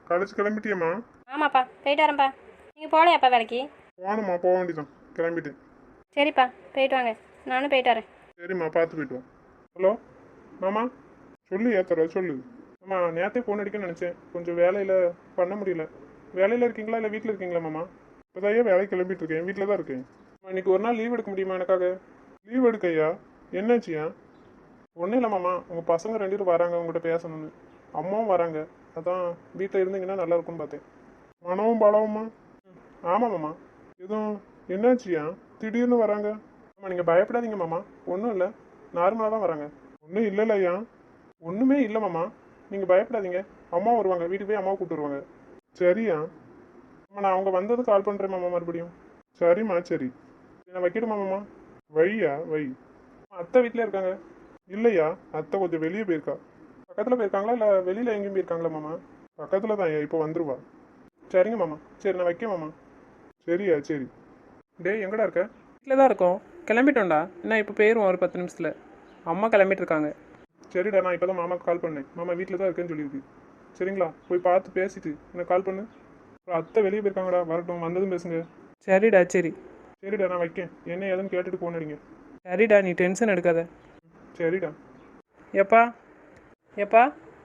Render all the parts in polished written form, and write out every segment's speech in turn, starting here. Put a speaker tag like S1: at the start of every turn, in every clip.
S1: College கிளம்பிட்டியம்மா?
S2: ஆமாப்பா போயிட்டு வரேன்ப்பா. நீங்கள் போகலையாப்பா வேலைக்கு?
S1: போகணுமா, போக வேண்டியதான், கிளம்பிட்டேன்.
S2: சரிப்பா போயிட்டு வாங்க, நானும் போயிட்டு வரேன்.
S1: சரிம்மா, பார்த்து போயிட்டு வா. ஹலோ மாமா, சொல்லு ஏத்தர சொல்லு. ஆமா, நேற்றே ஃபோன் அடிக்கணும்னு நினச்சேன், கொஞ்சம் வேலையில் பண்ண முடியல. வேலையில் இருக்கீங்களா இல்லை வீட்டில் இருக்கீங்களா மாமா? இப்போதான் ஏன் வேலைக்கு கிளம்பிட்டு இருக்கேன், வீட்டில் தான் இருக்கேன். இன்னைக்கு ஒரு நாள் லீவ் எடுக்க முடியுமா எனக்காக? லீவ் எடுக்கையா? என்னாச்சியா? ஒன்றும் இல்லை மாமா, உங்கள் பசங்க 2 பேரும் வராங்க உங்கள்கிட்ட பேசணும்னு. அம்மாவும் வராங்க, அதான் வீட்டில் இருந்தீங்கன்னா நல்லா இருக்கும்னு பார்த்தேன். மனவும் பலவுமா? ஆமாம் மாமா. எதுவும் என்னாச்சியா திடீர்னு வராங்க? ஆமாம், நீங்கள் பயப்படாதீங்க மாமா, ஒன்றும் இல்லை, நார்மலாக தான் வராங்க. ஒன்றும் இல்லைல்லையா? ஒன்றுமே இல்லை மாமா, நீங்கள் பயப்படாதீங்க. அம்மா வருவாங்க, வீட்டுக்கு போய் அம்மாவை கூப்பிட்டு வருவாங்க. சரியா? ஆமாம், நான் அவங்க வந்தது கால் பண்ணுறேன் மாமா மறுபடியும். சரிம்மா, சரி. நான் வைக்கட்டுமா மாமா? வையா வை. அத்தை வீட்டில் இருக்காங்க. இல்லையா, அத்தை கொஞ்சம் வெளியே போயிருக்கா. பக்கத்தில் போயிருக்காங்களா இல்லை வெளியில் எங்கேயும் போயிருக்காங்களா மாமா? பக்கத்தில் தான், இப்போ வந்துருவா. சரிங்க மாமா, சரி நான் வைக்க மாமா. சரியா, சரி. டேய், எங்கடா இருக்க?
S3: வீட்டில் தான் இருக்கோம், கிளம்பிட்டோம்டா. என்ன இப்போ போயிடுவோம் ஒரு 10 நிமிஷத்தில். அம்மா கிளம்பிட்டு இருக்காங்க.
S1: சரிடா, நான் இப்போ தான் மாமாக்கு கால் பண்ணேன், மாமா வீட்டில் தான் இருக்கேன்னு சொல்லியிருக்கு. சரிங்களா, போய் பார்த்து பேசிட்டு எனக்கு கால் பண்ணு. அப்புறம் அத்தை வெளியே போயிருக்காங்கடா, வரட்டும், வந்ததும் பேசுங்க.
S3: சரிடா, சரி.
S1: சரிடா, நான் வைக்கேன், என்ன ஏதுன்னு கேட்டுட்டு ஃபோன் அடிங்க.
S3: சரிடா, நீ டென்ஷன் எடுக்காத.
S1: சரிடா.
S3: எப்பா எப்பா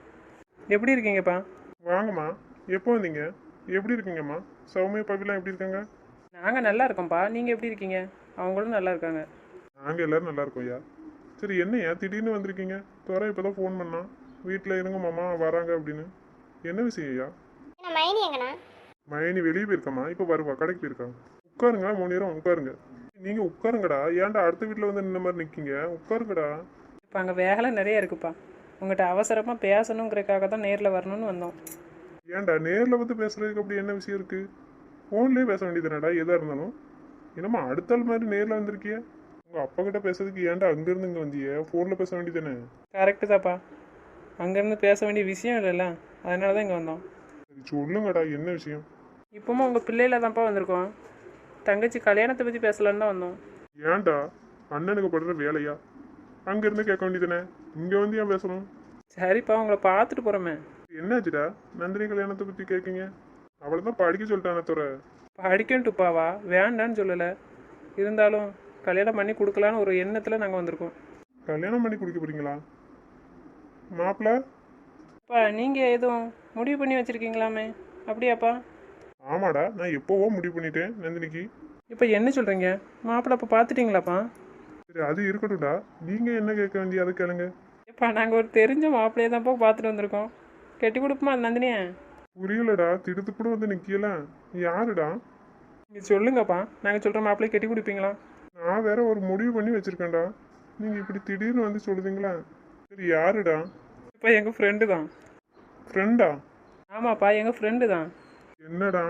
S3: எப்படி இருக்கீங்கப்பா?
S1: வாங்கம்மா, எப்போ வந்தீங்க? எப்படி இருக்கீங்கம்மா? சௌமியா பவிலாம் எப்படி இருக்காங்க?
S3: நாங்கள் நல்லா இருக்கோம்ப்பா, நீங்கள் எப்படி இருக்கீங்க? அவங்களும் நல்லா இருக்காங்க.
S1: நாங்கள் எல்லோரும் நல்லா இருக்கோம் ஐயா. சரி, என்னையா திடீர்னு வந்திருக்கீங்க? துறை இப்போ தான் ஃபோன் பண்ணான், வீட்டில் இருங்க மாமா வராங்க அப்படின்னு. என்ன விஷயம் ஐயா?
S2: மைனி எங்கண்ணா?
S1: மயனி வெளியே போயிருக்காம்மா, இப்போ வருவா, கடைக்கு போயிருக்காங்க. உட்காருங்க, 3 நேரம் உட்காருங்க. நீங்கள் உட்காருங்கடா, ஏன்டா அடுத்த வீட்டில் வந்து நின்ன மாதிரி நிற்கிங்க? உட்காருங்கடா.
S3: இப்போ அங்கே வேலை நிறைய இருக்குப்பா, உங்கள்கிட்ட அவசரமாக பேசணுங்கிறதுக்காக தான் நேரில் வரணும்னு வந்தோம்.
S1: ஏன்டா நேரில் வந்து பேசுறதுக்கு அப்படி என்ன விஷயம் இருக்குது? ஃபோன்லேயே பேச வேண்டியதுனடா எதாக இருந்தாலும். என்னம்மா அடுத்த ஆள் மாதிரி நேரில் வந்திருக்கிய? உங்கள் அப்பா கிட்ட பேசுறதுக்கு ஏன்டா அங்கேருந்து இங்கே வந்திய? ஃபோனில் பேச வேண்டியதானே?
S3: கரெக்டு தான்ப்பா, அங்கேருந்து பேச வேண்டிய விஷயம் இல்லைல்ல, அதனால தான் இங்கே வந்தோம்.
S1: சரி சொல்லுங்கடா, என்ன விஷயம்?
S3: இப்போவும் உங்கள் பிள்ளையில தான்ப்பா வந்திருக்கோம், தங்கச்சி கல்யாணத்தை பற்றி பேசலான்னு தான் வந்தோம்.
S1: ஏன்டா அண்ணனுக்கு படுற வேலையா? அங்கேருந்து கேட்க வேண்டியதானே, இங்கே வந்து ஏன் பேசணும்?
S3: சரிப்பா, உங்களை பார்த்துட்டு போகிறோமே.
S1: என்னாச்சுடா நந்தினி கல்யாணத்தை பற்றி கேட்குங்க? அவளை தான் படிக்க சொல்லிட்டானே துறை.
S3: படிக்கட்டுப்பாவா, வேண்டான்னு சொல்லலை, இருந்தாலும் கல்யாணம் பண்ணி கொடுக்கலான்னு ஒரு எண்ணத்தில் நாங்கள் வந்திருக்கோம்.
S1: கல்யாணம் பண்ணி குடிக்க போறீங்களா மாப்பிள்ள?
S3: அப்பா நீங்கள் எதுவும் முடிவு பண்ணி வச்சுருக்கீங்களாமே, அப்படியாப்பா?
S1: ஆமாடா, நான் எப்போவோ முடிவு பண்ணிட்டேன் நந்தினிக்கு.
S3: இப்போ என்ன சொல்கிறீங்க? மாப்பிள்ளை அப்போ பார்த்துட்டிங்களாப்பா?
S1: சரி, அது இருக்கட்டும்டா, நீங்கள் என்ன கேட்க வேண்டிய அதை கேளுங்க.
S3: இப்போ நாங்கள் ஒரு தெரிஞ்ச மாப்பிள்ளையை தான்ப்பா பார்த்துட்டு வந்திருக்கோம், கட்டி கொடுப்போமா நந்தினியை?
S1: புரியலடா, திடுத்து கூட வந்து நிற்கலாம். யாருடா?
S3: நீங்கள் சொல்லுங்கப்பா, நாங்கள் சொல்கிற மாப்பிள்ளையை கட்டி கொடுப்பீங்களா?
S1: நான் வேற ஒரு முடிவு பண்ணி வச்சிருக்கேன்டா, நீங்கள் இப்படி திடீர்னு வந்து சொல்லுதீங்களா? சரி, யாருடா?
S3: இப்போ எங்கள் ஃப்ரெண்டு தான்.
S1: ஃப்ரெண்டா?
S3: ஆமாப்பா, எங்கள் ஃப்ரெண்டு தான்.
S1: என்னடா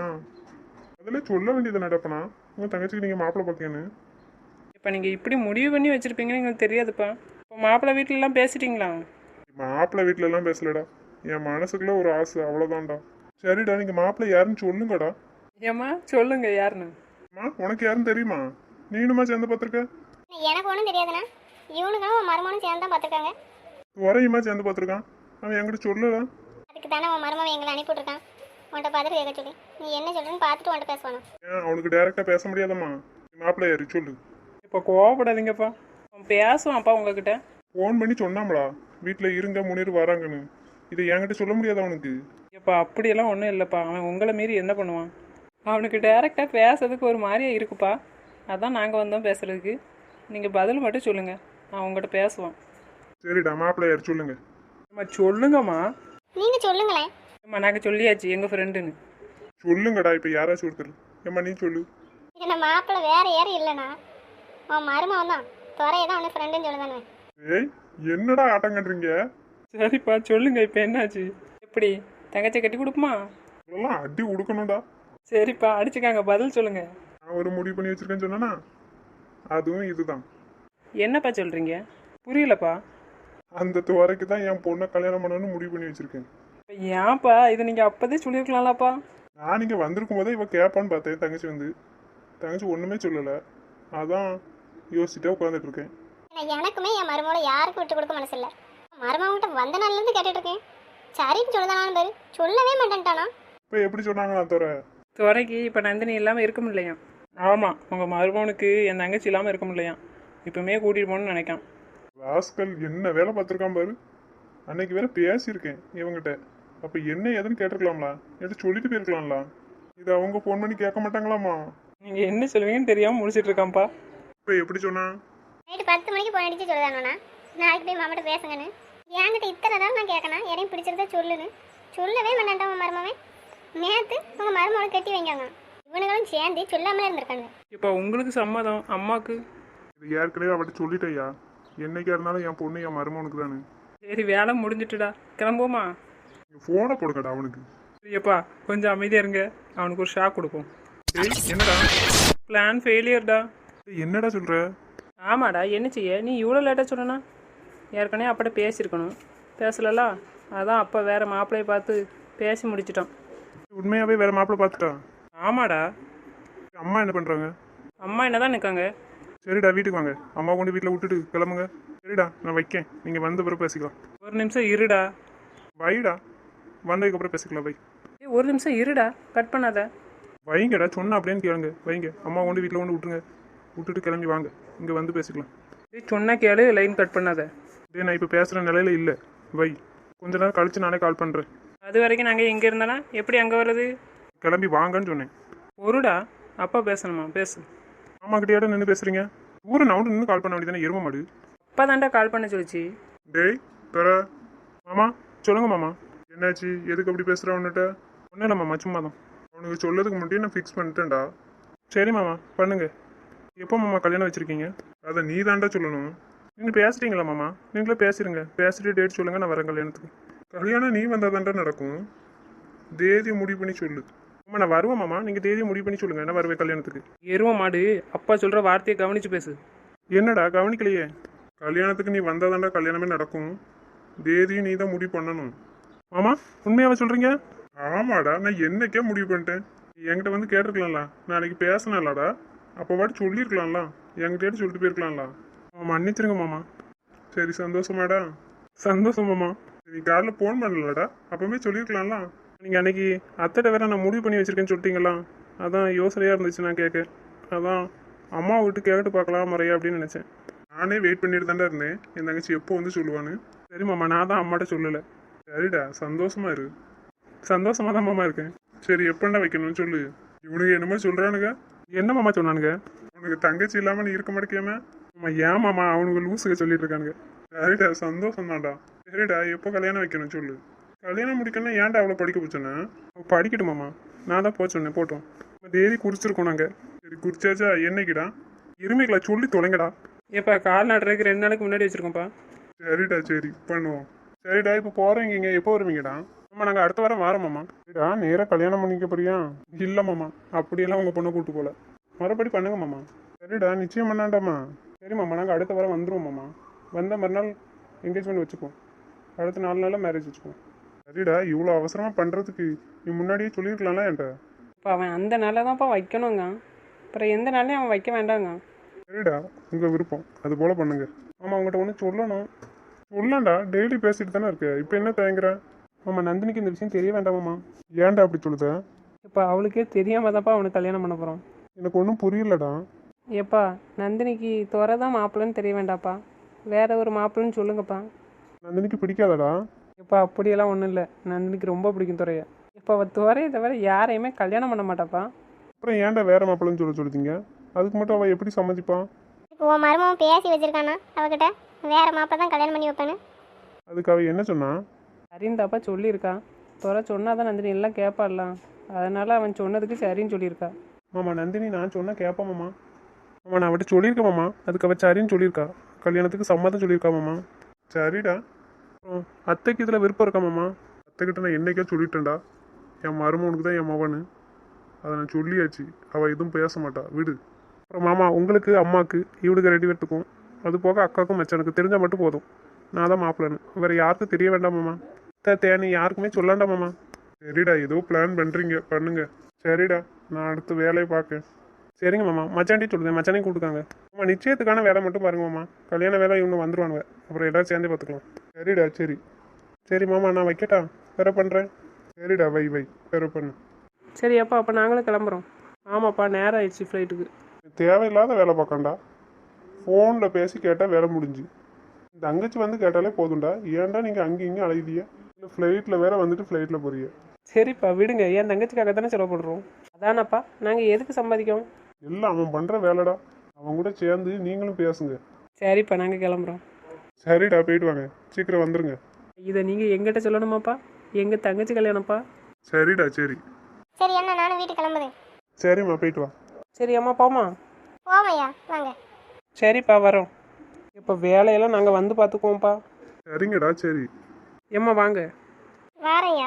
S1: அதில் சொல்ல வேண்டியது நடப்பனா உங்கள் தங்கச்சிக்கு நீங்கள் மாப்பிள்ளை பார்க்கன்னு?
S3: இப்போ நீங்கள் இப்படி முடிவு பண்ணி வச்சுருப்பீங்கன்னு எங்களுக்கு தெரியாதுப்பா. இப்போ மாப்பிள்ளை வீட்டிலலாம் பேசிட்டீங்களா?
S1: மாப்பிள்ளை வீட்டிலலாம் பேசலடா, என் மனசுக்குள்ள ஒரு ஆசை, அவ்வளோதான்டா. சரிடா, நீங்கள் மாப்பிள்ளை யாருன்னு சொல்லுங்கடா.
S3: ஏம்மா சொல்லுங்க யாருன்னு.
S1: அம்மா, உனக்கு யாருன்னு தெரியுமா? நீனுமா சேர்ந்து பார்த்துருக்க?
S2: எனக்கு ஒன்றும் தெரியாதுண்ணா, இவனுக்கும் உன் மருமனும் சேர்ந்து தான் பார்த்துருக்காங்க.
S1: துறையுமா சேர்ந்து பார்த்துருக்கான், அவன் என்கிட்ட சொல்லலாம்.
S2: அதுக்கு தானே உன் மருமன் எங்களை அனுப்பிவிட்ருக்கான் உன்கிட்ட பார்த்துட்டு கேட்க சொல்லி. நீ என்ன சொல்கிறேன்னு பார்த்துட்டு உன்கிட்ட பேசுவானு.
S1: ஏன் அவனுக்கு டைரெக்டாக பேச முடியாதம்மா? மாப்பிள்ளை யாரு சொல்லு.
S3: இப்போ கோவப்படாதீங்கப்பா, அவன் பேசுவான்ப்பா உங்ககிட்ட.
S1: ஃபோன் பண்ணி சொன்னாங்களா வீட்டில் இருங்க முன்னேறி வராங்கன்னு? இதை என்கிட்ட சொல்ல முடியாது அவனுக்கு.
S3: இப்போ அப்படியெல்லாம் ஒன்றும் இல்லைப்பா, அவன் உங்களை மீறி என்ன பண்ணுவான்? அவனுக்கு டைரெக்டாக பேசுறதுக்கு ஒரு மாதிரியா இருக்குப்பா, அதான் நாங்கள் வந்தோம் பேசுகிறதுக்கு. நீங்கள் பதில் மட்டும் சொல்லுங்கள், அவன் உங்கள்கிட்ட பேசுவான்.
S1: சரிடா, மாப்பிள்ளை யார் சொல்லுங்க.
S3: அம்மா சொல்லுங்கம்மா.
S2: நீங்கள் சொல்லுங்களேன்.
S3: அம்மா நாங்கள் சொல்லியாச்சு எங்கள் ஃப்ரெண்டுன்னு.
S1: சொல்லுங்கடா, இப்போ யாராச்சும் ஒருத்தர். ஏம்மா நீ சொல்லு.
S2: என்ன மாப்பிள்ளை வேற யாரும் இல்லைண்ணா, உன் மருமன் தான். துறையை தான் அவனு ஃப்ரெண்டுன்னு சொல்லுதானே.
S1: ஏய், என்னடா ஆட்டம் கட்டுறீங்க?
S3: சரிப்பா சொல்லுங்க, இப்போ என்னாச்சு? எப்படி தங்கச்சி கட்டி கொடுக்குமா?
S1: இதெல்லாம் அடி உடுக்கணும்டா.
S3: சரிப்பா அடிச்சுக்காங்க, பதில் சொல்லுங்க.
S1: நான் ஒரு முடிவு பண்ணி வச்சிருக்கேன்னு சொன்னா, அதுவும் இதுதான்.
S3: என்னப்பா சொல்கிறீங்க? புரியலப்பா.
S1: அந்த துறைக்கு தான் என் பொண்ணை கல்யாணம் பண்ணணும்னு முடிவு பண்ணி வச்சிருக்கேன்.
S3: இப்போ ஏன்ப்பா இதை நீங்கள் அப்போதே சொல்லியிருக்கலாம்லப்பா?
S1: நான் இங்கே வந்திருக்கும் போதே இவ கேட்பான்னு பார்த்தேன், தங்கச்சி வந்து. தங்கச்சி ஒன்றுமே சொல்லலை, அதான் யோசிச்சுட்டே உட்காந்துட்டு இருக்கேன்.
S2: எனக்குமே என் மருமகளை யாருக்கும் விட்டு கொடுக்க மனசு இல்லை. மருமகிட்ட வந்த நாள்லேருந்து கேட்டுட்டு இருக்கேன். சரின்னு சொல்லுதானான்னு பேரு சொல்லவே மாட்டேன்ட்டானா.
S1: இப்போ எப்படி சொன்னாங்களா தோற?
S3: துறைக்கு இப்போ நந்தினி இல்லாமல் இருக்க முடியலையா? ஆமாம், உங்கள் மருமகனுக்கு என் தங்கச்சி இல்லாமல் இருக்க முடியலையா? இப்போமே கூட்டிகிட்டு போகணும்னு நினைக்கான்.
S1: ராஸ்கல் என்ன வேலை பார்த்துருக்கான் பாரு. அன்னைக்கு வேற பேசியிருக்கேன் இவங்கிட்ட. அப்போ என்ன ஏதுன்னு கேட்டிருக்கலாம்ல, எடுத்து சொல்லிட்டு போயிருக்கலாம்ல. இதை அவங்க ஃபோன் பண்ணி கேட்க மாட்டாங்களாமா?
S3: நீங்கள் என்ன சொல்லுவீங்கன்னு தெரியாமல் முடிச்சிட்டு இருக்கான்ப்பா.
S1: இப்போ எப்படி சொன்னா?
S2: நைட்டு 10 மணிக்கு போன் அடிச்சு சொல்லுதானோண்ணா, நாளைக்கு போய் மாமாட்ட பேசுங்கன்னு. என்கிட்ட இத்தனை நாள் நான் கேட்கணும், யாரையும் பிடிச்சிருந்தா சொல்லுன்னு. சொல்லவே மாட்டான்டா உன் மருமவன். நேற்று உங்கள் மருமகளை கட்டி வைக்காங்க. இவனுங்களும் சேர்ந்து சொல்லாமலே இருந்திருக்காங்க.
S3: இப்போ உங்களுக்கு சம்மதம், அம்மாவுக்கு?
S1: இது ஏற்கனவே அவட்ட சொல்லிட்டேயா. என்னைக்கா இருந்தாலும் என் பொண்ணு என் மருமகனுக்கு தானே.
S3: சரி, வேலை முடிஞ்சிட்டுடா, கிளம்புவோமா?
S1: ஃபோனை போடுங்கடா அவனுக்கு.
S3: சரிப்பா, கொஞ்சம் அமைதியாக இருங்க, அவனுக்கு ஒரு ஷாக் கொடுப்போம்.
S1: டேய் என்னடா?
S3: பிளான் ஃபெயிலியர்டா.
S1: டேய், என்னடா சொல்ற?
S3: ஆமாடா, என்ன செய்ய? நீ இவ்வளோ லேட்டாக சொல்லணா? ஏற்கனவே அப்பட்ட பேசியிருக்கணும், பேசலல. அதான் அப்போ வேறு மாப்பிள்ளையை பார்த்து பேசி முடிச்சிட்டான்.
S1: உண்மையாவே வேற மாப்பிள்ளை பார்த்துட்டான்?
S3: ஆமாடா.
S1: அம்மா என்ன பண்றாங்க?
S3: அம்மா என்ன தான் நிற்காங்க.
S1: சரிடா வீட்டுக்கு வாங்க, அம்மா கொண்டு வீட்டில் விட்டுட்டு கிளம்புங்க. சரிடா நான் வைக்கேன், நீங்கள் வந்த பிறகு பேசிக்கலாம்.
S3: ஒரு நிமிஷம் இருடா.
S1: வைடா, வந்ததுக்கப்புறம் பேசிக்கலாம். வை.
S3: ஒரு நிமிஷம் இருடா, கட் பண்ணாத.
S1: வைங்கடா, சொன்னா அப்படின்னு கேளுங்க. வைங்க, அம்மா கொண்டு வீட்டில் கொண்டு விட்டுருங்க. விட்டுட்டு கிளம்பி வாங்க, இங்கே வந்து பேசிக்கலாம்.
S3: சொன்னா கேளு, லைன் கட் பண்ணாத.
S1: டே நான் இப்போ பேசுகிற நிலையில இல்லை. வை, கொஞ்ச நேரம் கழிச்சு நானே கால் பண்ணுறேன்.
S3: அது வரைக்கும் நாங்கள் எங்கே இருந்தானா எப்படி அங்கே வர்றது?
S1: கிளம்பி வாங்கன்னு சொன்னேன்.
S3: ஒருடா, அப்பா பேசணுமா? பேசு.
S1: அம்மா கிட்டேயாட நின்று பேசுறீங்க? ஊரை நான் நின்று கால் பண்ண வேண்டியதானே, எரும மாடு.
S3: அப்பா தாண்டா கால் பண்ண சொல்லிச்சு.
S1: டேய் தர மாமா, சொல்லுங்க மாமா. என்னாச்சு, எதுக்கு அப்படி பேசுகிற உன்னிட்ட? ஒன்றும் இல்லை மாமா, சும்மா தான். அவனுக்கு சொல்லதுக்கு முன்னாடி நான் ஃபிக்ஸ் பண்ணிட்டேன்டா. சரி மாமா, பண்ணுங்க. எப்போ மாமா கல்யாணம் வச்சுருக்கீங்க? அதை நீ தாண்டா சொல்லணும். நீங்கள் பேசுகிறீங்களா மாமா? நீங்களே பேசிடுங்க, பேசிட்டு டேட் சொல்லுங்கள், நான் வரேன் கல்யாணத்துக்கு. கல்யாணம் நீ வந்தால் தாண்டா நடக்கும். தேதியை முடிவு பண்ணி சொல்லு. மாமா நான் வருவேன் மாமா, நீங்கள் தேதியை முடிவு பண்ணி சொல்லுங்கள், நான் வருவேன் கல்யாணத்துக்கு.
S3: எருவ மாடு, அப்பா சொல்கிற வார்த்தையை கவனிச்சு பேசு.
S1: என்னடா கவனிக்கலையே? கல்யாணத்துக்கு நீ வந்தால் தாண்டா கல்யாணமே நடக்கும். தேதியும் நீ தான் முடிவு பண்ணணும். மாமா உண்மையாவே சொல்கிறீங்க? ஆமாடா, நான் என்னைக்கே முடிவு பண்ணிட்டேன். என்கிட்ட வந்து கேட்டிருக்கலாம்ல, நாளைக்கு பேசினலாடா. அப்போ வாட்டி சொல்லியிருக்கலாம்ல, என்கிட்ட சொல்லிட்டு போயிருக்கலாம்ல. மன்னிச்சிருங்க மாமா. சரி சந்தோஷமாடா? சந்தோஷம் மாமா. நீ காலைல ஃபோன் பண்ணலடா, அப்பவுமே சொல்லியிருக்கலாம்ல. நீங்கள் அன்னைக்கு அத்தைட்ட வேற நான் முடிவு பண்ணி வச்சிருக்கேன்னு சொல்லிட்டீங்களா? அதான் யோசனையாக இருந்துச்சு நான் கேட்க. அதான் அம்மா விட்டு கேட்டு பார்க்கலாம் முறையா அப்படின்னு நினச்சேன். நானே வெயிட் பண்ணிட்டு தாண்டா இருந்தேன், என் தங்கச்சி எப்போ வந்து சொல்லுவான்னு. சரி மாமா, நான் தான் அம்மாட்ட சொல்லலை. சரிடா, சந்தோஷமா இரு. சந்தோஷமா தான் மாமா இருக்கேன். சரி எப்பண்டா வைக்கணும்னு சொல்லு. இவனுக்கு என்னமோ சொல்கிறானுங்க. என்ன மாமா சொன்னானுங்க? உனக்கு தங்கச்சி இல்லாமல் நீ இருக்க மாட்டேக்கியாம? ஆமா ஏன் மாமா, அவனுக்கு லூசுக சொல்லிட்டு இருக்கானுங்க. சரிடா, சந்தோஷம் தான்டா. சரிடா, எப்போ கல்யாணம் வைக்கணும் சொல்லு. கல்யாணம் முடிக்கணும்னா ஏன்டா அவ்வளோ படிக்க போச்சோன்னா? படிக்கட்டும் மாமா, நான் தான் போக சொன்னேன், போட்டோம். தேதி குறிச்சிருக்கோம் நாங்கள். சரி குறிச்சாச்சா? என்னைக்குடா? இருமைகளா சொல்லி தொலைங்கடா.
S3: ஏப்பா, கால் நடுறதுக்கு 2 நாளைக்கு முன்னாடி வச்சுருக்கோம்ப்பா.
S1: சரிடா, சரி பண்ணுவோம். சரிடா, இப்போ போகிறீங்க, எப்போ வருவீங்கடா? ஆமாம் நாங்கள் அடுத்த வாரம் வரோம்மாம்மா. சரிடா, நேராக கல்யாணம் பண்ணிக்க போறியா? இல்லை மாமா, அப்படியெல்லாம் உங்கள் பொண்ணை கூப்பிட்டு போகல. மறுபடி பண்ணுங்க மாமா. சரிடா, நிச்சயம் பண்ணாண்டாமா? சரி மாமா, நாங்கள் அடுத்த வாரம் வந்துடுவோம் மாமா. வந்த மறுநாள் என்கேஜ்மெண்ட் வச்சுக்குவோம், அடுத்த 4 நாளில் மேரேஜ் வச்சுக்குவோம். சரிடா, இவ்வளோ அவசரமாக பண்ணுறதுக்கு நீ முன்னாடியே சொல்லியிருக்கலாம்ல என்கிட்ட.
S3: இப்போ அவன் அந்த நாளில் தான்ப்பா வைக்கணுங்க, அப்புறம் எந்த நாளையும் அவன் வைக்க வேண்டாங்க.
S1: சரிடா, உங்கள் விருப்பம், அது போல் பண்ணுங்க. ஆமாம் உங்கள்கிட்ட ஒன்று சொல்லணும். சொல்லலாம்டா, டெய்லி பேசிட்டு தானே இருக்கு, இப்போ என்ன தயங்குற? ஆமாம் நந்தினிக்கு இந்த விஷயம் தெரிய வேண்டாமாம்மா. ஏன்டா அப்படி சொல்லுத?
S3: இப்போ அவளுக்கே தெரியாமல் தான்ப்பா அவனுக்கு கல்யாணம் பண்ண போகிறோம்.
S1: எனக்கு ஒன்றும் புரியலடா.
S3: ஏப்பா, நந்தினிக்கு துறை தான் மாப்பிள்ளைன்னு தெரிய வேண்டாப்பா, வேற ஒரு மாப்பிள்ளைன்னு சொல்லுங்கப்பா.
S1: நந்தினிக்கு பிடிக்காதடா.
S3: இப்போ அப்படியெல்லாம் ஒன்றும் இல்லை, நந்தினிக்கு ரொம்ப பிடிக்கும் துறையை. இப்போ அவள் துறையை தவிர யாரையுமே கல்யாணம் பண்ண மாட்டாப்பா.
S1: அப்புறம் ஏன்டா வேற மாப்பிள்ளைன்னு சொல்லிட்டீங்க? அதுக்கு மட்டும் அவள் எப்படி சம்மதிப்பான்?
S2: இப்போ உன் மருமகன் பேசி வச்சிருக்கானா அவகிட்ட, வேற மாப்பிள்ள தான் கல்யாணம் பண்ணி வைப்பேன்னு?
S1: அதுக்கு அவள் என்ன சொன்னா?
S3: சரிந்தாப்பா சொல்லியிருக்கா. துறை சொன்னால் தான் நந்தினி எல்லாம் கேட்பாடலாம், அதனால் அவன் சொன்னதுக்கு சரின்னு சொல்லியிருக்கா.
S1: மாமா நந்தினி நான் சொன்னால் கேட்பாமாம்மா. மாமா நான் அவட்ட சொல்லியிருக்கேன் மாமா, அதுக்கு அவள் சரின்னு சொல்லியிருக்கா, கல்யாணத்துக்கு சம்மதம் சொல்லியிருக்கா மாமா. சரிடா. அத்தைக்கு இதில் விருப்பம் இருக்கா மாமா? அத்தைக்கிட்ட நான் என்னைக்கே சொல்லிட்டேன்டா, என் மருமகனுக்கு தான் என் மவனு, அதை நான் சொல்லியாச்சு. அவள் எதுவும் பேச மாட்டா, விடு. அப்புறம் மாமா உங்களுக்கு அம்மாவுக்கு இவளுக்கு ரெடி எடுத்துக்கும், அது போக அக்காவுக்கும் மச்சானுக்கு தெரிஞ்சால் மட்டும் போதும், நான் தான் மாப்பிள்ளன்னு. வேறு யாருக்கும் தெரிய வேண்டாம் மாமா. தேனி யாருக்குமே சொல்லாண்டா மாமா. சரிடா, ஏதோ பிளான் பண்ணுறீங்க, பண்ணுங்க. சரிடா, நான் அடுத்த வேலையை பார்க்கேன். சரிங்க மாமா, மச்சாண்டி சொல்லுதேன், மச்சானே கூப்பிட்டுக்காங்க. ஆமாம் நிச்சயத்துக்கான வேலை மட்டும் பாருங்க மாமா, கல்யாண வேலை இவனு வந்துடுவானுங்க, அப்புறம் எல்லோரும் சேர்ந்தே பார்த்துக்கலாம். சரிடா, சரி சரி மாமா, நான் வைக்கட்டா? வேற பண்ணுறேன். சரிடா, வை வை, வேற பண்ணு.
S3: சரி அப்பா அப்போ நாங்களும் கிளம்புறோம். ஆமாப்பா நேரம் ஆயிடுச்சு ஃப்ளைட்டுக்கு.
S1: தேவையில்லாத வேலை பார்க்கண்டா. ஃபோனில் பேசி கேட்டால் வேலை முடிஞ்சு. இந்த தங்கச்சி வந்து கேட்டாலே போதும்டா. ஏன்டா நீங்கள் அங்கேயும் இங்கேயும் அழைதிய? இல்லை ஃப்ளைட்டில் வேற வந்துட்டு ஃப்ளைட்டில் போறிய?
S3: சரிப்பா விடுங்க, என் தங்கச்சிக்காக தானே செலவு பண்ணுறோம். அதானப்பா நாங்கள் எதுக்கு சம்பாதிக்கோம்?
S1: எல்லாம் அவன் பண்ணுற வேலைடா. அவன் கூட சேர்ந்து நீங்களும் பேசுங்க.
S3: சரிப்பா நாங்கள் கிளம்புறோம்.
S1: சரிடா, போயிட்டு வாங்க. சீக்கிரம் வந்துருங்க.
S3: இதை நீங்கள் எங்கிட்ட சொல்லணுமாப்பா? எங்கள் தங்கச்சி கல்யாணம்ப்பா.
S1: சரிடா, சரி.
S2: சரி அண்ணா, நானும் வீட்டுக்கு கிளம்புது.
S1: சரிம்மா, போயிட்டு வா.
S3: சரி அம்மா போமா.
S2: போவையா வாங்க.
S3: சரிப்பா வரோம். இப்போ வேலையெல்லாம் நாங்கள் வந்து பார்த்துக்குவோம்ப்பா.
S1: சரிங்கடா, சரி.
S3: ஏம்மா வாங்க.
S2: வாரையா.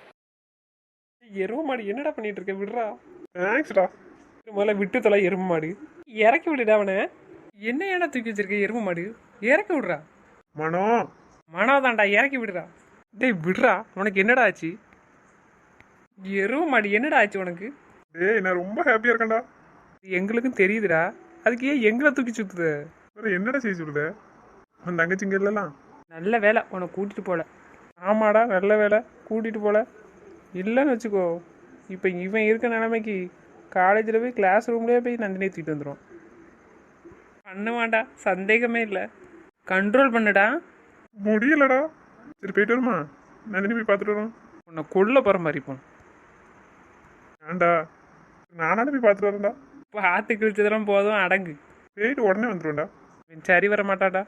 S3: எருமை மாடு என்னடா பண்ணிட்டு இருக்க? விடுறா.
S1: தேங்க்ஸ்டா.
S3: முதல்ல விட்டு தொலை எருமை மாடு. இறக்கி விடுடா அவனை. என்ன ஏடா தூக்கி வச்சிருக்க எருமை மாடு? இறக்கி விடுறா.
S1: மனோ.
S3: மனோதான்டா, இறக்கி விடுறா. டேய் விடுறா. உனக்கு என்னடா ஆச்சு? எருமை மாடு என்னடா ஆச்சு உனக்கு?
S1: டேய், நான் ரொம்ப ஹாப்பியாக இருக்கேன்டா.
S3: எங்களுக்கும் தெரியுதுடா. அதுக்கு ஏன் எங்களை தூக்கி சுத்துத?
S1: வேற என்னடா செய்ய சொல்லுத? உன் தங்கச்சிங்க இல்லலாம்.
S3: நல்ல வேலை உன்னை கூட்டிட்டு போல. ஆமாடா நல்ல வேலை கூட்டிட்டு போல. இல்லைன்னு வச்சுக்கோ, இப்போ இவன் இருக்க நிலைமைக்கு காலேஜில் போய் கிளாஸ் ரூம்லேயே போய் நந்தினியை தூக்கிட்டு வந்துடும். பண்ணுவான்டா, சந்தேகமே இல்லை. கண்ட்ரோல் பண்ணுடா.
S1: முடியலடா. சரி, போயிட்டு வருமா? நந்தினி போய் பார்த்துட்டு வரோம்.
S3: உன்னை கொல்ல போகிற மாதிரி போன்.
S1: ஏன்டா? நானாட போய் பார்த்துட்டு வரேன்டா.
S3: பார்த்து கிழிச்சதெல்லாம் போதும், அடங்கு.
S1: போயிட்டு உடனே வந்துடுவேன்டா.
S3: இவன் சரி வர மாட்டாடா.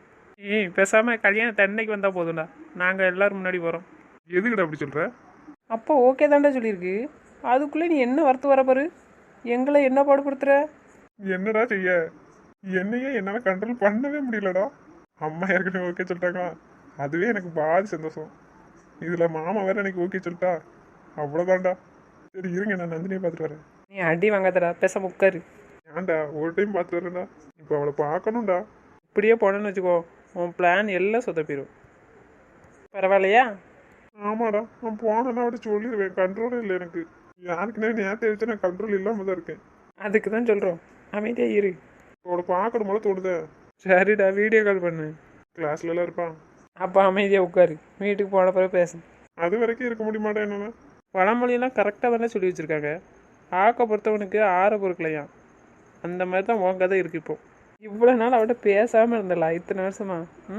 S3: பேசாமல் கல்யாணம் தன்னைக்கு வந்தால் போதும்டா. நாங்கள் எல்லோரும் முன்னாடி போகிறோம்.
S1: எதுக்குடா அப்படி சொல்கிற?
S3: அப்போ ஓகே தான்டா சொல்லியிருக்கு. அதுக்குள்ளே நீ என்ன வரத்து வர பாரு. எங்களை என்ன பாடுபடுத்துற?
S1: என்னடா செய்ய? என்னையே என்னால் கண்ட்ரோல் பண்ணவே முடியலடா. அம்மா ஏற்கனவே ஓகே சொல்லிட்டாங்களா? அதுவே எனக்கு பாதி சந்தோஷம். இதில் மாமா வேற எனக்கு ஓகே சொல்லிட்டா. அவ்வளோதான்டா. சரி இருங்க, நான் நந்தினியை பார்த்துட்டு வரேன்.
S3: நீ அடி வாங்காதடா, பேச உட்காரு.
S1: ஏன்டா, ஒரு டைம் பார்த்துட்டு வரேன்டா. இப்போ அவளை பார்க்கணும்டா.
S3: இப்படியே போனேன்னு வச்சுக்கோ, உன் பிளான் எல்லாம் சொதப்பிடும். பரவாயில்லையா?
S1: ஆமாடா, நான் போனேன்னா அவட்ட சொல்லிடுவேன். கண்ட்ரோலே இல்லை எனக்கு. யாருக்குன்னே நேரத்தை வச்சு நான் கண்ட்ரோல் இல்லாமல் தான் இருக்கேன்.
S3: அதுக்கு தான் சொல்கிறோம், அமைதியாக இரு.
S1: அவளை பார்க்கணும் போல தோணுதே.
S3: சரிடா, வீடியோ கால் பண்ணு.
S1: கிளாஸ்லலாம் இருப்பான்.
S3: அப்போ அமைதியாக உட்காரு. வீட்டுக்கு போன பிறகு பேசு.
S1: அது வரைக்கும் இருக்க முடியுமாட்டா என்னன்னா?
S3: பழமொழியெல்லாம் கரெக்டாக தானே சொல்லி வச்சுருக்காங்க. ஆக்க பொறுத்தவனுக்கு ஆற பொறுக்கலையாம். அந்த மாதிரி தான் உன் கதை இருக்குது. இப்போ இவ்வளோ நாள் அவட்ட பேசாமல் இருந்தலாம் இத்தனை வருஷமா.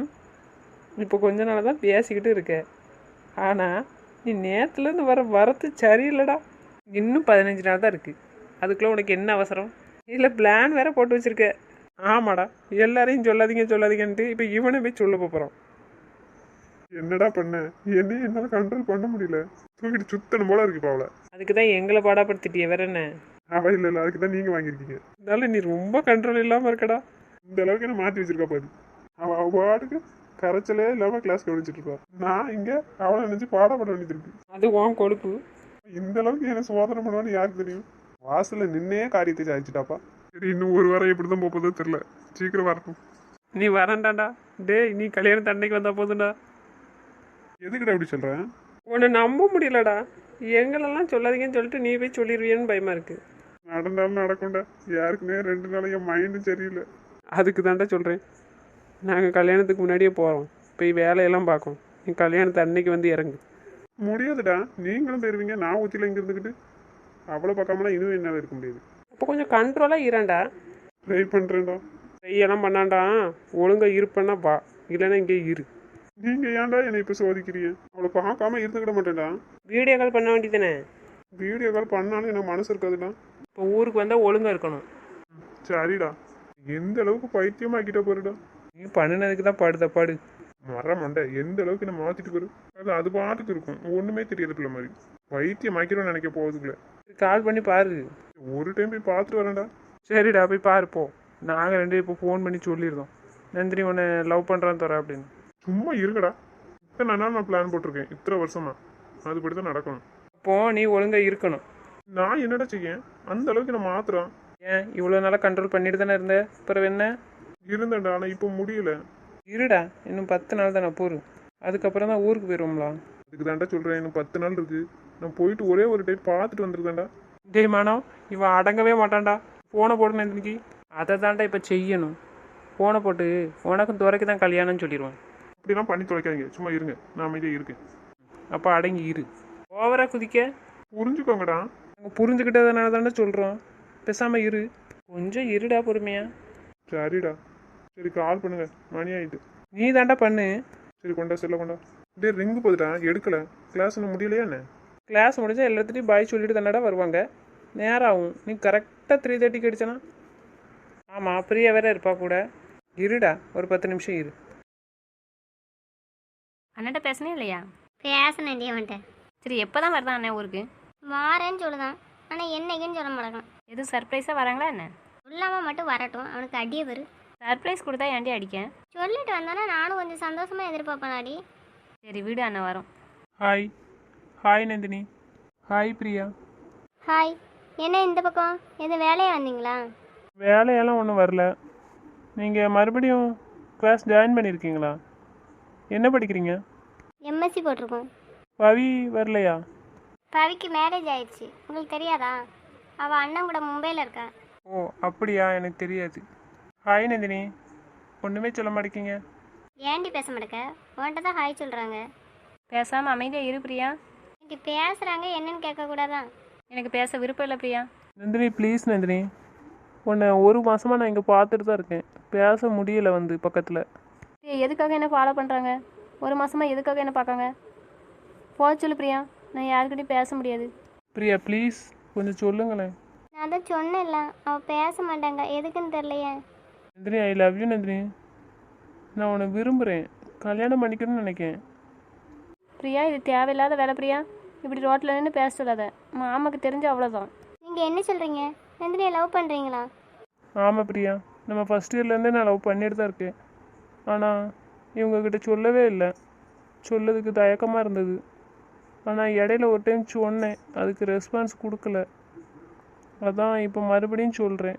S3: இப்போ கொஞ்ச நாள் தான் பேசிக்கிட்டு இருக்க. ஆனால் நீ நேற்றுலேருந்து வரத்து சரியில்லைடா. இன்னும் 15 நாள் தான் இருக்குது. அதுக்குள்ளே உனக்கு என்ன அவசரம்? இதில் பிளான் வேற போட்டு வச்சுருக்க. ஆமாடா, எல்லாரையும் சொல்லாதீங்கன்ட்டு இப்போ இவனை போய் சொல்ல போகிறோம்.
S1: என்னடா பண்ண? என்னையும் என்னால் கண்ட்ரோல் பண்ண முடியல. தூக்கிட்டு சுத்தணும் போல இருக்கு இப்போ அவளை.
S3: அதுக்கு தான் எங்களை பாடாப்படுத்திட்டிய வேற என்ன?
S1: அவள் இல்லை, அதுக்கு தான் நீங்கள் வாங்கியிருக்கீங்க.
S3: இருந்தாலும் நீ ரொம்ப கண்ட்ரோல் இல்லாமல் இருக்கடா.
S1: இந்த அளவுக்கு என்ன மாற்றி வச்சிருக்கா பாரு. அவள் பாட்டுக்கு கரைச்சலே இல்லாமல் கிளாஸ் கவனிச்சிட்டு இருப்பா. நான் இங்கே அவளை நினச்சி பாடப்பட வேண்டியது இருக்கு.
S3: அது உன் கொழுப்பு.
S1: இந்த அளவுக்கு என்ன சோதனை பண்ணுவான்னு யாருக்கு தெரியும்? வாசலில் நின்னே காரியத்தை சாதிச்சிட்டாப்பா. சரி, இன்னும் ஒரு வாரம் எப்படி தான் போகுதோ தெரில. சீக்கிரம் வரட்டும்.
S3: நீ வரண்டாண்டா. டேய், நீ கல்யாணம் தண்டைக்கு வந்தால் போதும்டா.
S1: எதுக்கிட்ட அப்படி சொல்கிறேன்?
S3: உன்னை நம்ப முடியலடா. எங்களெல்லாம் சொல்லாதீங்கன்னு சொல்லிட்டு நீ போய் சொல்லிடுவியன்னு பயமாக இருக்குது.
S1: நடந்தாலும் நடக்கும்டா. யாருக்குன்னே 2 நாள் என் மைண்டும் சரியில்லை.
S3: அதுக்கு தாண்டா சொல்கிறேன். நாங்கள் கல்யாணத்துக்கு முன்னாடியே போகிறோம். போய் வேலையெல்லாம் பார்க்கோம். நீ கல்யாணத்தை அன்னைக்கு வந்து இறங்கு.
S1: முடியாதுடா. நீங்களும் போயிருவீங்க, நான் ஊற்றில இங்கே இருந்துக்கிட்டு. அவ்வளோ பக்கமெல்லாம் இன்னும் என்னால் இருக்க முடியாது.
S3: அப்போ கொஞ்சம் கண்ட்ரோலாக இரண்டா.
S1: ட்ரை பண்ணுறேன்டா.
S3: ட்ரையெல்லாம் பண்ணாண்டா. ஒழுங்காக இருப்பேன்னா வா, இல்லைன்னா இங்கே இரு.
S1: நீங்கள் ஏன்டா என்னை இப்போ சோதிக்கிறீங்க? அவளை பார்க்காம இருந்துக்கிட மாட்டேன்டா.
S3: வீடியோ கால் பண்ண வேண்டியதானே?
S1: வீடியோ கால் பண்ணாலும் எனக்கு மனசு இருக்காதுடா.
S3: இப்போ ஊருக்கு வந்தால் ஒழுங்காக இருக்கணும்.
S1: சரிடா. எந்த அளவுக்கு பைத்தியமாக்கிட்ட போருடா.
S3: நீ பண்ணினதுக்கு தான் பாடு.
S1: மண்டை எந்த அளவுக்கு என்ன மாற்றிட்டு போரு. அது பாட்டுக்கு இருக்கும். ஒன்றுமே தெரியறதுக்குள்ள மாதிரி பைத்தியம் ஆக்கிடும்னு நினைக்க போகிறதுக்குள்ள.
S3: கால் பண்ணி பாரு.
S1: ஒரு டைம் போய் பார்த்துட்டு வரேன்டா.
S3: சரிடா, போய் பாருப்போ. நாங்கள் 2 இப்போ ஃபோன் பண்ணி சொல்லியிருந்தோம், நந்தினி உன்னை லவ் பண்ணுறான்னு தர அப்படின்னு.
S1: சும்மா இருக்கடா. இத்தனை நாள் நான் பிளான் போட்டிருக்கேன், இத்தனை வருஷமா. அதுபடி தான் நடக்கணும்.
S3: அப்போ நீ ஒழுங்காக இருக்கணும்.
S1: நான் என்னடா செய்ய? அந்த அளவுக்கு நான் மாத்துறேன்.
S3: ஏன் இவ்வளோ நாளாக கண்ட்ரோல் பண்ணிட்டு தானே இருந்த? பிறகு என்ன?
S1: இருந்தேன்டா, ஆனால் இப்போ முடியல.
S3: இருடா, இன்னும் 10 நாள் தானே போரு. அதுக்கப்புறம் தான் ஊருக்கு போயிடுவோம்லா.
S1: அதுக்கு தாண்டா சொல்கிறேன், இன்னும் 10 நாள் இருக்கு. நான் போயிட்டு ஒரே ஒரு டைம் பார்த்துட்டு வந்துருக்கேன்டா.
S3: டேய் மானவ், இவன் அடங்கவே மாட்டான்டா. ஃபோனை போட்டு நந்தினிக்கு. அதை தாண்டா இப்போ செய்யணும். ஃபோனை போட்டு உனக்கும் துறைக்கு தான் கல்யாணம்னு சொல்லிடுவான்.
S1: அப்படிலாம் பண்ணி தொலைக்காதீங்க, சும்மா இருங்க. நான் அமைதியாக இருக்கேன்.
S3: அப்போ அடங்கி இரு. ஓவரா குதிக்க.
S1: புரிஞ்சுக்கோங்கடா. நாங்கள் புரிஞ்சுக்கிட்டதுனால தானே சொல்கிறோம். பேசாமல் இரு.
S3: கொஞ்சம் இருடா பொறுமையா.
S1: சரிடா. சரி கால் பண்ணுங்க, மணி ஆயிட்டு.
S3: நீ தாண்டா பண்ணு.
S1: சரி கொண்டா செல்ல கொண்டா. டே ரிங்கு போதுடா, எடுக்கல. கிளாஸ் ஒன்றும் முடியலையா என்ன?
S3: கிளாஸ் முடிஞ்சால் எல்லாத்துட்டையும் பாய் சொல்லிட்டு தானடா வருவாங்க. நேரம் ஆகும். நீ கரெக்டாக 3:30க்கு அடிச்சனா? ஆமாம், பிரியா வேற இருப்பா கூட. இருடா, ஒரு 10 நிமிஷம் இரு.
S4: அண்ணன்ட்ட பேசுனே இல்லையா?
S2: பேசினேன்டி அவன்கிட்ட.
S4: சரி, எப்போ தான் வருதான் அண்ணன் ஊருக்கு?
S2: வாரேன்னு சொல்லுதான், ஆனால் என்னைக்குன்னு சொல்ல மாட்டேங்கான்.
S4: எதுவும் சர்ப்ரைஸாக வராங்களா என்ன?
S2: சொல்லாமல் மட்டும் வரட்டும், அவனுக்கு அடியே வரு.
S4: சர்ப்ரைஸ் கொடுத்தா ஏன்டி அடிக்க?
S2: சொல்லிட்டு வந்தானே நானும் கொஞ்சம் சந்தோஷமாக எதிர்பார்ப்பேனாடி.
S4: சரி வீடு அண்ணன் வரும்.
S3: Hi. Hi Nandini. Hi Priya.
S2: Hi. என்ன இந்த பக்கம் எதுவும் வேலையாக வந்தீங்களா?
S3: வேலையெல்லாம் ஒன்றும் வரல. நீங்கள் மறுபடியும் கிளாஸ் ஜாயின் பண்ணியிருக்கீங்களா? என்ன படிக்கிறீங்க?
S2: எம்எஸ்சி போட்டிருக்கோம்.
S3: பவி வரலையா?
S2: பவிக்கு மேரேஜ் ஆயிடுச்சு, உங்களுக்கு தெரியாதா? அவள் அண்ணன் கூட மும்பையில் இருக்கா.
S3: ஓ அப்படியா, எனக்கு தெரியாது. ஹாய் நந்தினி. ஒன்றுமே சொல்ல மாட்டேங்கிங்க.
S2: ஏண்டி பேச மாட்டேக்க? உன்கிட்ட தான் ஹாய் சொல்கிறாங்க.
S4: பேசாமல் அமைதியாக இரு பிரியா.
S2: இப்படி பேசுகிறாங்க என்னன்னு கேட்கக்கூடாதான்?
S4: எனக்கு பேச விருப்பம் இல்லை பிரியா.
S3: நந்தினி ப்ளீஸ் நந்தினி. உன்னை ஒரு மாதமாக நான் இங்கே பார்த்துட்டு தான் இருக்கேன். பேச முடியலை வந்து பக்கத்தில்.
S4: எதுக்காக என்ன ஃபாலோ பண்ணுறாங்க? ஒரு மாதமாக எதுக்காக என்ன பார்க்காங்க? போக சொல்லு பிரியா, நான் யாருக்கிட்டையும் பேச முடியாது.
S3: பிரியா ப்ளீஸ் கொஞ்சம் சொல்லுங்களேன்.
S2: நான் தான் சொன்னேன்ல, அவள் பேச மாட்டாங்க, எதுக்குன்னு தெரியலையே.
S3: Nandini I love you Nandini. நான் உன்னை விரும்புகிறேன், கல்யாணம் பண்ணிக்கணும்னு நினைக்கிறேன்.
S4: பிரியா, இது தேவையில்லாத வேலை பிரியா. இப்படி ரோட்டில் நின்று பேச சொல்லாத. மாமாக்கு தெரிஞ்சு அவ்வளோதான்.
S2: நீங்கள் என்ன சொல்கிறீங்க? நந்தினியை லவ் பண்ணுறீங்களா?
S3: ஆமாம் பிரியா, நம்ம ஃபஸ்ட் இயர்லேருந்தே நான் லவ் பண்ணிட்டு தான் இருக்கேன். ஆனால் இவங்கக்கிட்ட சொல்லவே இல்லை. சொல்லதுக்கு தயக்கமாக இருந்தது. ஆனால் இடையில ஒரு டைம் சொன்னேன், அதுக்கு ரெஸ்பான்ஸ் கொடுக்கல. அதான் இப்போ மறுபடியும் சொல்கிறேன்.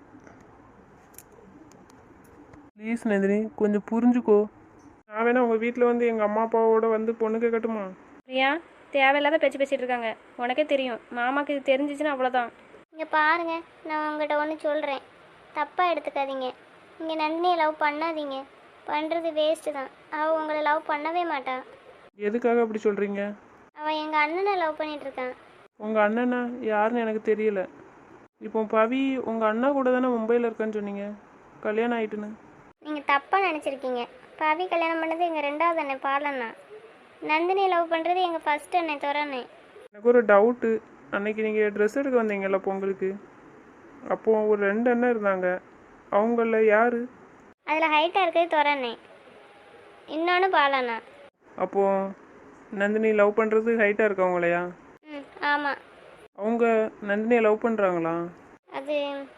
S3: ப்ளீஸ் நந்தினி கொஞ்சம் புரிஞ்சுக்கோ. நான் வேணா உங்கள் வீட்டில் வந்து எங்கள் அம்மா அப்பாவோட வந்து பொண்ணு கேட்கட்டுமா?
S4: பிரியா, தேவையில்லாத பேச்சு பேசிகிட்டு இருக்காங்க. உனக்கே தெரியும், மாமாக்கு இது தெரிஞ்சிச்சுன்னா அவ்வளோதான்.
S2: இங்கே பாருங்க, நான் உங்கள்கிட்ட ஒன்று சொல்கிறேன், தப்பாக எடுத்துக்காதீங்க. நீங்கள் நந்தினியை லவ் பண்ணாதீங்க, பண்ணுறது வேஸ்ட்டு தான். அவள் உங்களை லவ் பண்ணவே மாட்டா.
S3: எதுக்காக அப்படி சொல்கிறீங்க?
S2: அவள் எங்கள் அண்ணனை லவ் பண்ணிகிட்ருக்கான்.
S3: உங்கள் அண்ணனா யாருன்னு எனக்கு தெரியல. இப்போ பவி உங்கள் அண்ணா கூட தானே மும்பையில் இருக்கான்னு சொன்னீங்க, கல்யாணம் ஆயிட்டுன்னு.
S2: நீங்கள் தப்பாக நினச்சிருக்கீங்க. பவி கல்யாணம் பண்ணது எங்கள் 2வது அண்ணன் பாலண்ணா. நந்தினியை லவ் பண்ணுறது எங்கள் ஃபஸ்ட் அண்ணன் துறண்ணே.
S3: எனக்கு ஒரு டவுட்டு. அன்னைக்கு நீங்கள் ட்ரெஸ் எடுக்க வந்தீங்கல்ல பொங்கலுக்கு, அப்போது ஒரு 2 அண்ணன் இருந்தாங்க. அவங்கள யார்?
S2: அதில் ஹைட்டாக இருக்கிறது துறண்ணே, இன்னொன்று பாலண்ணா.
S3: அப்போது நந்தினி லவ் பண்ணுறது ஹைட்டாக இருக்கவங்களையா?
S2: ம் ஆமாம்.
S3: அவங்க நந்தினியை லவ் பண்ணுறாங்களா?
S2: அது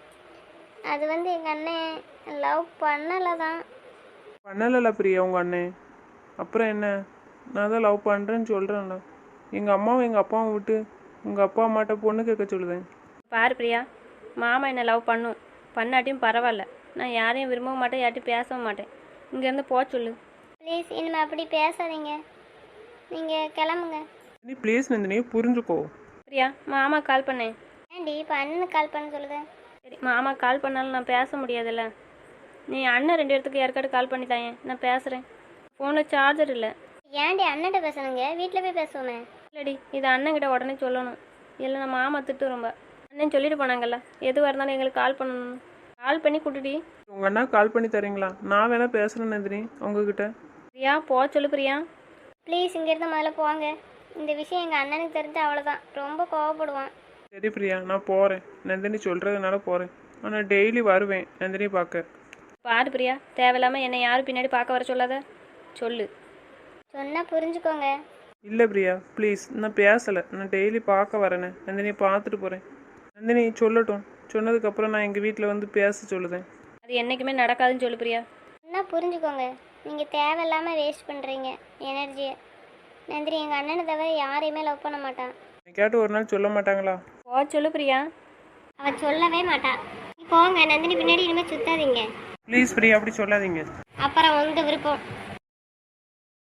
S2: அது வந்து எங்கள் அண்ணன் லவ் பண்ணலை தான்.
S3: பண்ணலைல பிரியா உங்கள் அண்ணன். அப்புறம் என்ன? நான் தான் லவ் பண்ணுறேன்னு சொல்கிறேன்ல. எங்கள் அம்மாவும் எங்கள் அப்பாவும் விட்டு உங்கள் அப்பா அம்மாட்ட பொண்ணு கேட்க சொல்லுதேன்.
S4: பாரு பிரியா, மாமா என்னை லவ் பண்ணும், பண்ணாட்டியும் பரவாயில்ல. நான் யாரையும் விரும்பவும் மாட்டேன், யார்ட்டையும் பேசவும் மாட்டேன். இங்கேருந்து போக சொல்லு.
S2: ப்ளீஸ் இனிமேல் அப்படி பேசாதீங்க, நீங்கள் கிளம்புங்க.
S3: நீ ப்ளீஸ் நந்தினி புரிஞ்சுக்கோ.
S4: பிரியா, மாமா கால் பண்ணேன்.
S2: ஏன்டி இப்போ அண்ணனுக்கு கால் பண்ண சொல்லுதேன்?
S4: சரி, மாமா கால் பண்ணாலும் நான் பேச முடியாதுல்ல. நீ அண்ணன் 2 இடத்துக்கு யாருக்காட்டு கால் பண்ணி தாயேன், நான் பேசுகிறேன். ஃபோனில் சார்ஜர் இல்லை.
S2: ஏன்டி அண்ணன்ட்ட பேசணுங்க, வீட்டில் போய் பேசுவோமே.
S4: இல்லடி, இது அண்ணன்கிட்ட உடனே சொல்லணும். இல்லை நான் மாமா திட்டு ரொம்ப. அண்ணன் சொல்லிட்டு போனாங்கல்ல, எதுவாக இருந்தாலும் எங்களுக்கு கால் பண்ணணும். கால் பண்ணி கூட்டுடி.
S3: உங்கள் அண்ணா கால் பண்ணி தரீங்களா? நான் வேணா பேசுகிறேன் நந்தினி உங்ககிட்ட.
S4: பிரியா போக சொல்லு பிரியா.
S2: ப்ளீஸ் இங்கேருந்து முதல்ல போங்க. இந்த விஷயம் எங்கள் அண்ணனுக்கு தெரிஞ்சு அவ்வளோதான், ரொம்ப கோவப்படுவான்.
S3: சரி பிரியா, நான் போகிறேன். நந்தினி சொல்கிறதுனால போகிறேன். ஆனால் டெய்லி வருவேன் நந்தினி பார்க்க.
S4: பாரு பிரியா, தேவையில்லாமல் என்னை யாரும் பின்னாடி பார்க்க வர சொல்லாத. சொல்லு.
S2: சொன்னால் புரிஞ்சுக்கோங்க.
S3: இல்லை பிரியா ப்ளீஸ், நான் பேசலை. நான் டெய்லி பார்க்க வரேனே, நந்தினியை பார்த்துட்டு போகிறேன். நந்தினி சொல்லட்டும், சொன்னதுக்கப்புறம் நான் எங்கள் வீட்டில் வந்து பேச சொல்லுதேன்.
S4: அது என்றைக்குமே நடக்காதுன்னு சொல்லு பிரியா.
S2: சொன்னால் புரிஞ்சுக்கோங்க. நீங்கள் தேவையில்லாமல் வேஸ்ட் பண்ணுறீங்க எனர்ஜியை. நந்தினி எங்கள் அண்ணனை தவிர யாரையுமே லவ் பண்ண மாட்டான்.
S3: கேட்டு ஒரு நாள் சொல்ல மாட்டாங்களா?
S4: போக சொல்லு பிரியா.
S2: அவள் சொல்லவே மாட்டான். போங்க, நந்தினி பின்னாடி இனிமேல் சுத்தாதீங்க.
S3: ப்ளீஸ் பிரியா அப்படி சொல்லாதீங்க.
S2: அப்புறம் உங்கள் விருப்பம்.